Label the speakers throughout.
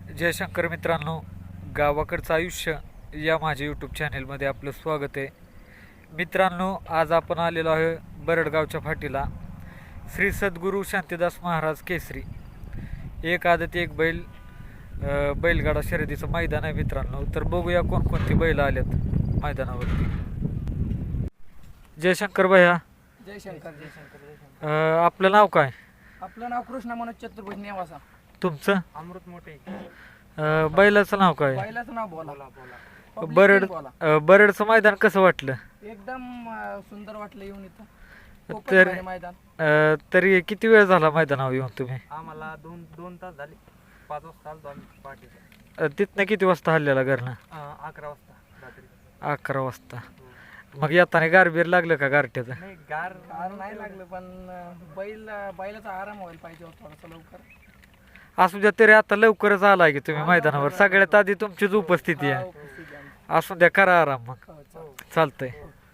Speaker 1: जयशंकर मित्रांनो, गावाकडचं आयुष्य या माझ्या यूट्यूब चॅनेलमध्ये आपलं स्वागत आहे. मित्रांनो, आज आपण आलेलो आहे बरडगावच्या फाटीला. श्री सद्गुरू शांतीदास महाराज केसरी एक आदत एक बैल बैलगाडा शर्यतीचं मैदान आहे मित्रांनो. तर बघूया कोणकोणती बैल आल्यात मैदानावरती. जयशंकर भैया,
Speaker 2: जयशंकर जयशंकर जयशंकर.
Speaker 1: आपलं नाव काय?
Speaker 2: आपलं नाव कृष्ण मनोज चतुर्भुज नेवासा.
Speaker 1: तुमचं?
Speaker 2: अमृत मोठे.
Speaker 1: बैलाचं नाव काय?
Speaker 2: पहिलाच नाव बोला बोला.
Speaker 1: बरडचं मैदान कसं वाटलं?
Speaker 2: एकदम सुंदर वाटलं येऊन इथं.
Speaker 1: तर
Speaker 2: मैदान
Speaker 1: तरी किती वेळ झाला मैदानावर येऊन तुम्ही?
Speaker 2: आम्हाला दोन तास झाले. 5 वाजता आलो आम्ही पार्टी.
Speaker 1: तिथनं किती वाजता हल्ल्याला घरनं?
Speaker 2: 11 वाजता रात्री.
Speaker 1: 11 वाजता. मग येताना गारबीर लागलं का गारठ्याचं?
Speaker 2: नाही गार नाही लागलं, पण बैलाचा आराम व्हायला पाहिजे थोडासा लवकर.
Speaker 1: असू द्या, तरी आता लवकरच आलाय की तुम्ही मैदानावर. सगळ्यात आधी तुमचीच उपस्थिती आहे. असू द्या, करा आराम. मग चालतंय.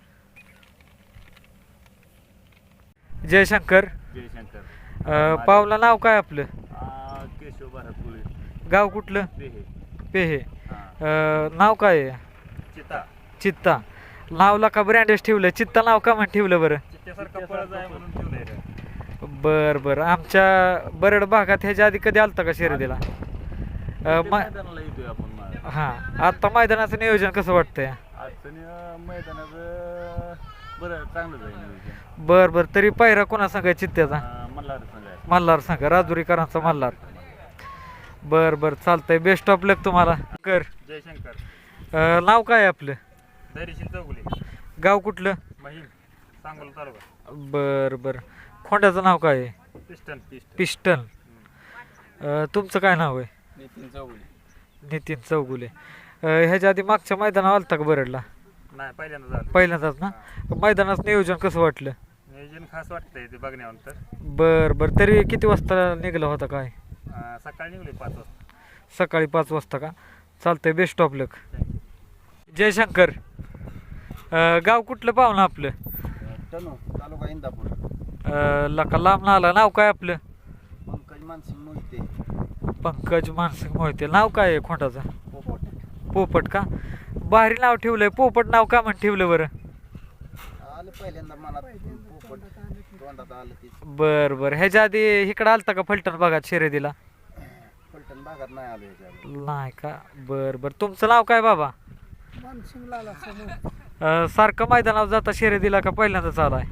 Speaker 1: जयशंकर, पावला नाव काय आपलं?
Speaker 3: केशव भारतपुळे.
Speaker 1: गाव कुठलं?
Speaker 3: पेहे.
Speaker 1: पेहे. नाव काय आहे?
Speaker 3: चिता.
Speaker 1: चित्ता. नावला का ब्रँडेज ठेवलं? चित्ता नाव का म्हणून ठेवलं बरं?
Speaker 3: चित्त्यासारखं पळत आहे म्हणून ठेवलंय रे.
Speaker 1: बरं. आमच्या बरड भागात ह्याच्या आधी कधी आलता का शर्यतीला?
Speaker 3: मैदानाला येतोय आपण मागे.
Speaker 1: हां, आता मैदानाचं नियोजन कसं वाटतंय?
Speaker 3: अडचणी मैदानाचं बरं चांगलं जाईल नियोजन.
Speaker 1: बरं. तरी पायरा कोणा सांगाय चित्त्याचा?
Speaker 3: मल्हार सांगाय.
Speaker 1: मल्हार सांगा, राजुरीकरांचा मल्हार. बरं चालतंय. बेस्ट ऑफ लक तुम्हाला. कर.
Speaker 3: जयशंकर.
Speaker 1: नाव काय आपलं?
Speaker 3: धैर्यशील चौगुले.
Speaker 1: गाव कुठलं?
Speaker 3: महिम. सांगोला तालुका.
Speaker 1: बरं. खोंड्याचं नाव काय आहे?
Speaker 3: पिस्टन.
Speaker 1: पिस्टन. तुमचं काय नाव आहे?
Speaker 2: नितीन चौगुले.
Speaker 1: नितीन चौगुले. ह्याच्या आधी मागच्या मैदानावर आलता का बरडला?
Speaker 3: नाही, पहिल्यांदा झालं.
Speaker 1: पहिल्यांदाच ना? मैदानाचं नियोजन कसं वाटलं?
Speaker 3: नियोजन खास वाटतंय ते बघण्यानंतर.
Speaker 1: बरं. तरी किती वाजता निघाला होता काय?
Speaker 3: सकाळी निघले 5 वाजता.
Speaker 1: सकाळी 5 वाजता का? चालतंय. बेस्ट ऑफ लक. जयशंकर, गाव कुठलं पाहुणं आपलं?
Speaker 4: तालुका इंदापूर.
Speaker 1: लका लांब आला. नाव काय आपलं?
Speaker 4: पंकज मानसिंग मोहिते.
Speaker 1: पंकज मानसिंग मोहिते. नाव काय आहे खोंडाचं?
Speaker 4: पोपट.
Speaker 1: पोपट का? भारी नाव ठेवलंय. पोपट नाव का म्हणून ठेवलं बरं?
Speaker 4: आलं पहिल्यांदा मनात पोपट तोंडात आलं तीच.
Speaker 1: बरं. ह्याच्या आधी इकडं आलता का फलटण भागात शर्यतीला?
Speaker 4: फलटण भागात नाही आलो ह्याच्यावर.
Speaker 1: नाही का? बरं. तुमचं नाव काय बाबा?
Speaker 2: मानसिंग लाला
Speaker 1: सारखं मैदानावर जाता शर्यतीला का पहिल्यांदाच आलाय?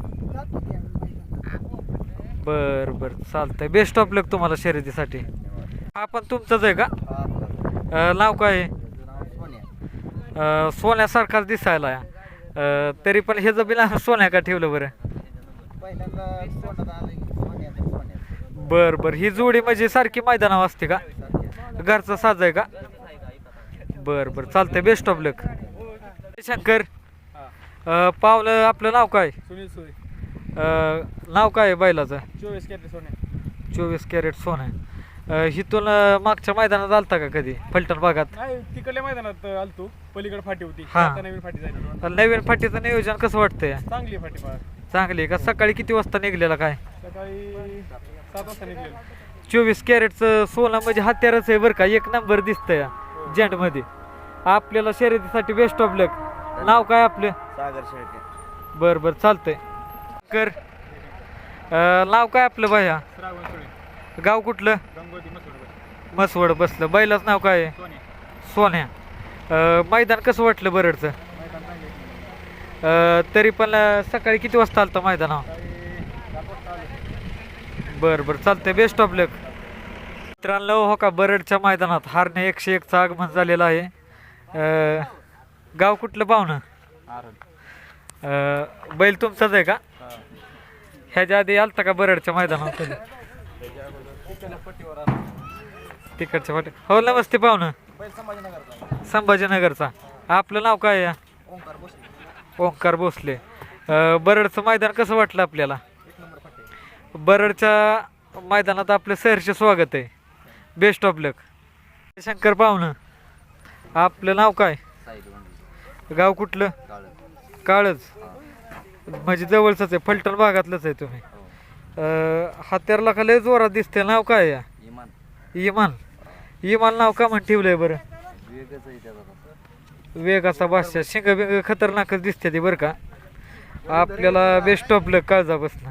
Speaker 1: बरं. चालतंय. बेस्ट ऑफ लक तुम्हाला शर्यतीसाठी. हा पण तुमचंच आहे का? नाव काय आहे?
Speaker 4: सोन्या.
Speaker 1: सोन्यासारखाच दिसायला आहे. तरी पण ह्याचं बी नाव सोन्या का ठेवलं बरं?
Speaker 4: पहिल्यांदा तोंडात आलं की सोन्या.
Speaker 1: बरं. ही जोडी म्हणजे सारखी मैदानावर असते का? घरचा साज आहे का? बरं. चालतंय. बेस्ट ऑफ लक. शंकर, पावलं आपलं नाव काय?
Speaker 2: सुनील सोय.
Speaker 1: नाव काय आहे बैलाचं?
Speaker 2: 24 कॅरेट सोने.
Speaker 1: 24 कॅरेट सोनं. हिथून मागच्या मैदानात आलता का कधी फलटण भागात?
Speaker 2: नाही, तिकडल्या मैदानात आलतो. पलीकडे फाटी होती.
Speaker 1: हा.
Speaker 2: आता नवीन फाटी झाली.
Speaker 1: नवीन फाटीचं नियोजन कसं वाटतंय?
Speaker 2: चांगली फाटी पहा.
Speaker 1: चांगली का? सकाळी किती वाजता निघलेला काय?
Speaker 2: सकाळी 7 वाजता निघलेलं.
Speaker 1: 24 कॅरेटचं सोनं म्हणजे हत्यारच आहे बरं का. एक नंबर दिसतंय जेंटमध्ये. आपल्याला शर्यतीसाठी बेस्ट ऑफ लक. नाव काय आपलं?
Speaker 4: सागर शेळके.
Speaker 1: बरं. चालतंय. कर. नाव काय आपलं भैया?
Speaker 2: श्रावण सोळे.
Speaker 1: गाव कुठलं?
Speaker 2: गंगोती मसूर.
Speaker 1: मसवड बसलं. बैलाच नाव काय आहे?
Speaker 2: सोने.
Speaker 1: सोन्या. मैदान कसं वाटलं बरडचं?
Speaker 2: मैदान चांगले.
Speaker 1: तरी पण सकाळी किती वाजता आलता मैदानावर?
Speaker 2: सकाळी 7 वाजता आलो.
Speaker 1: बरं. चालतंय. Best of luck. मित्रांनो, हो का, बरडच्या मैदानात हारणे 101चं आगमन झालेलं आहे. गाव कुठलं पाहुणं? बैल तुमचाच आहे का? ह्याच्या आधी आलता का बरडच्या मैदानावर कधी? तिकडच्या पाठी. हो, नमस्ते पाहुणं. संभाजीनगरचा. आपलं नाव काय आहे? ओंकार भोसले. बरडचं मैदान कसं वाटलं आपल्याला? बरडच्या मैदानात आपलं सहर्ष स्वागत आहे. बेस्ट ऑफ लक. शंकर पाहुणं, आपलं नाव काय? गाव कुठलं? काळच. म्हणजे जवळच आहे, फलटण भागातलंच आहे तुम्ही. हत्यारला का लय जोरात दिसते. नाव काय आहे?
Speaker 4: इमान.
Speaker 1: इमान. इमाल नाव का म्हण ठेवलंय बरं?
Speaker 4: वेगच आहे त्याचा.
Speaker 1: वेग असा बादशाह, शिंग बिंग खतरनाकच दिसते ती बरं का. आपल्याला बेस्ट ऑफ लक, काळजा बसणं.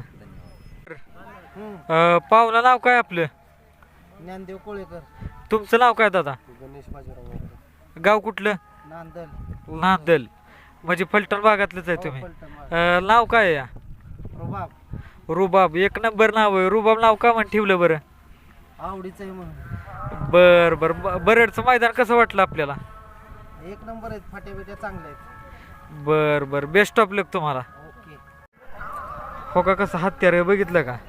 Speaker 1: पाहुणा नाव काय आपलं?
Speaker 4: ज्ञानदेव कोळेकर.
Speaker 1: तुमचं नाव काय दादा?
Speaker 4: गणेश बाजीराव.
Speaker 1: गाव कुठलं?
Speaker 4: नांदल.
Speaker 1: नांदल, म्हणजे फलटण भागातलंच आहे तुम्ही. नाव काय आहे या?
Speaker 4: रुबाब.
Speaker 1: रुबाब, एक नंबर नाव आहे. रुबाब नाव का म्हण ठेवलं बरं?
Speaker 4: आवडीचं आहे म्हणून.
Speaker 1: बर बर. बरडचं मैदान कसं वाटलं आपल्याला?
Speaker 4: एक नंबर आहेत, फाट्या बिट्या चांगल्या आहेत.
Speaker 1: बर बर, बेस्ट ऑफ लक तुम्हाला.
Speaker 4: ओके.
Speaker 1: हो का, कसं हत्यार आहे बघितलं का?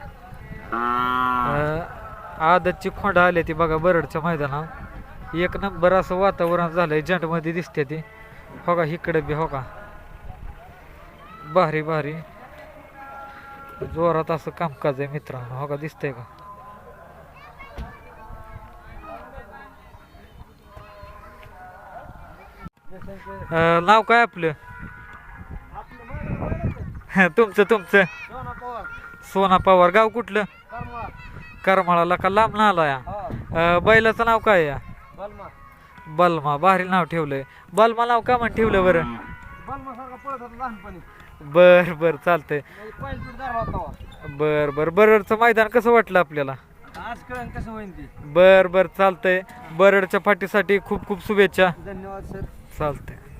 Speaker 1: आदतची खोंड आली ती बघा बरडच्या मैदानात. एक नंबर असं वातावरण झालंय, जंटमध्ये दिसते ती. हो का, इकडे बी हो का, भारी भारी जोरात असं कामकाज आहे मित्रांनो. हो का, दिसतंय का? नाव काय आपलं? तुमचं तुमचं? सोना पवार. गाव कुठलं? करमाळाला का लांब ना आला या? बैलाचं नाव काय या? बलमा. भारी नाव ठेवलंय. बलमा नाव का म्हण ठेवलं बरं? बर बर, चालतंय. बर बर. बरडचं मैदान कसं वाटलं आपल्याला?
Speaker 2: आज कळण कसं होईल ते.
Speaker 1: बर बर, चालतंय. बरडच्या फाटीसाठी खूप खूप शुभेच्छा.
Speaker 2: धन्यवाद सर.
Speaker 1: चालतंय.